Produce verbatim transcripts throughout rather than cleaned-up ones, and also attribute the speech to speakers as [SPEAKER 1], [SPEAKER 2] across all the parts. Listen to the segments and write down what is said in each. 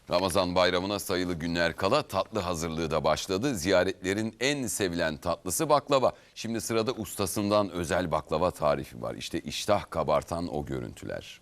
[SPEAKER 1] Ramazan bayramına sayılı günler kala tatlı hazırlığı da başladı. Ziyaretlerin en sevilen tatlısı baklava. Şimdi sırada ustasından özel baklava tarifi var. İşte iştah kabartan o görüntüler.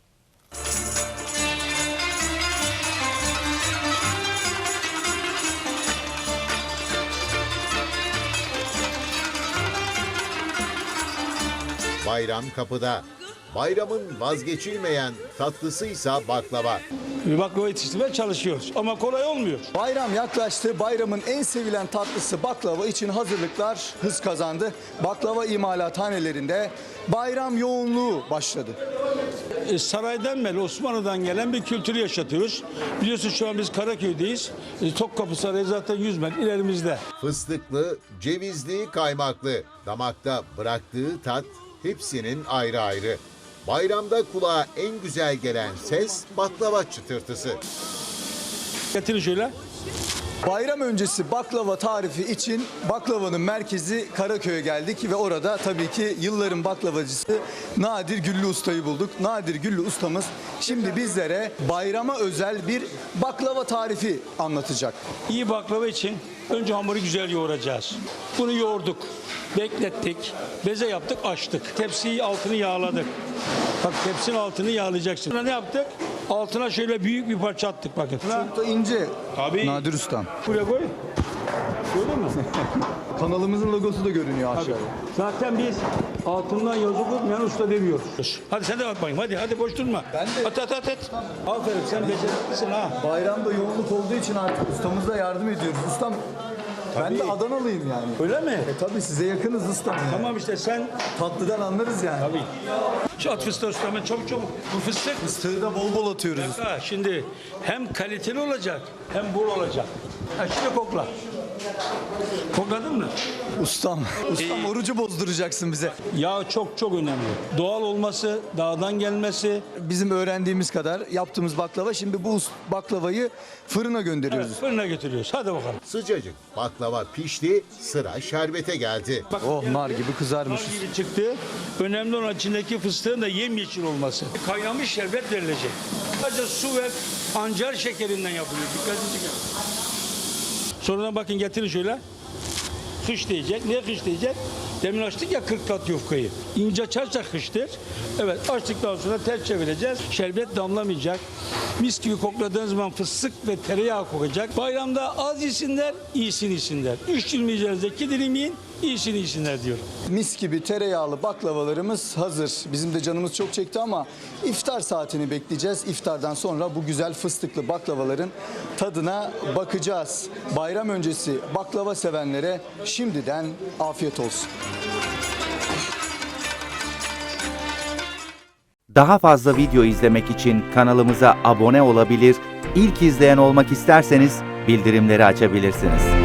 [SPEAKER 2] Bayram kapıda. Bayramın vazgeçilmeyen tatlısıysa baklava.
[SPEAKER 3] Bir baklava yetiştirmeye çalışıyoruz ama kolay olmuyor.
[SPEAKER 4] Bayram yaklaştı. Bayramın en sevilen tatlısı baklava için hazırlıklar hız kazandı. Baklava imalathanelerinde bayram yoğunluğu başladı.
[SPEAKER 3] E, saraydan beri Osmanlı'dan gelen bir kültürü yaşatıyoruz. Biliyorsun şu an biz Karaköy'deyiz. E, Topkapı Sarayı zaten yüz metre ilerimizde.
[SPEAKER 2] Fıstıklı, cevizli, kaymaklı. Damakta bıraktığı tat hepsinin ayrı ayrı. Bayramda kulağa en güzel gelen ses baklava çıtırtısı.
[SPEAKER 3] Getirin şöyle.
[SPEAKER 4] Bayram öncesi baklava tarifi için baklavanın merkezi Karaköy'e geldik ve orada tabii ki yılların baklavacısı Nadir Güllü Usta'yı bulduk. Nadir Güllü Ustamız şimdi bizlere bayrama özel bir baklava tarifi anlatacak.
[SPEAKER 3] İyi baklava için önce hamuru güzel yoğuracağız. Bunu yoğurduk, beklettik, beze yaptık, açtık. Tepsiyi altını yağladık. Bak tepsinin altını yağlayacaksın. Sonra ne yaptık? Altına şöyle büyük bir parça attık bakın.
[SPEAKER 4] Çok da ince.
[SPEAKER 3] Tabii.
[SPEAKER 4] Nadir Ustam.
[SPEAKER 3] Buraya koy. Gördün mü?
[SPEAKER 4] Kanalımızın logosu da görünüyor aşağıda.
[SPEAKER 3] Zaten biz altından yazı kokmayan usta demiyoruz. Hadi sen de bak bakayım. Hadi hadi boş durma.
[SPEAKER 4] Ben de-
[SPEAKER 3] At at at at. Aferin sen beceriklisin ha.
[SPEAKER 4] Bayramda yoğunluk olduğu için artık ustamız da yardım ediyoruz. Ustam ben de Adanalıyım yani.
[SPEAKER 3] Öyle mi?
[SPEAKER 4] E tabii size yakınız ustam. Yani.
[SPEAKER 3] Tamam işte sen.
[SPEAKER 4] Tatlıdan anlarız yani.
[SPEAKER 3] Tabii. Şu at fıstığı usta hemen çabuk çabuk. Bu fıstık.
[SPEAKER 4] Fıstığı da bol bol atıyoruz.
[SPEAKER 3] Ha, şimdi hem kaliteli olacak hem bol olacak. Ha, şimdi kokla. Kokladın mı?
[SPEAKER 4] Ustam, ustam orucu bozduracaksın bize.
[SPEAKER 3] Yağ çok çok önemli. Doğal olması, dağdan gelmesi.
[SPEAKER 4] Bizim öğrendiğimiz kadar yaptığımız baklava, şimdi bu baklavayı fırına gönderiyoruz.
[SPEAKER 3] Evet, fırına götürüyoruz. Hadi bakalım.
[SPEAKER 2] Sıcacık baklava pişti, sıra şerbete geldi.
[SPEAKER 3] Bak,
[SPEAKER 4] Oh, nar gibi kızarmış.
[SPEAKER 3] Nar gibi çıktı. Önemli olan içindeki fıstığın da yemyeşil olması. Kaynamış şerbet verilecek. Sadece su ve pancar şekerinden yapılıyor. Dikkatli çekin. Sonradan bakın getirin şöyle. Kış diyecek. Niye kış diyecek? Demin açtık ya kırk kat yufkayı. İnce açarsak kıştır. Evet, açtıktan sonra ters çevireceğiz. Şerbet damlamayacak. Mis gibi kokladığınız zaman fıstık ve tereyağı kokacak. Bayramda az yesinler, iyisini yesinler. Üç dilim yiyeceğinizde iki dilim yiyin, iyisini yesinler diyor.
[SPEAKER 4] Mis gibi tereyağlı baklavalarımız hazır. Bizim de canımız çok çekti ama iftar saatini bekleyeceğiz. İftardan sonra bu güzel fıstıklı baklavaların tadına bakacağız. Bayram öncesi baklava sevenlere şimdiden afiyet olsun.
[SPEAKER 5] Daha fazla video izlemek için kanalımıza abone olabilir, ilk izleyen olmak isterseniz bildirimleri açabilirsiniz.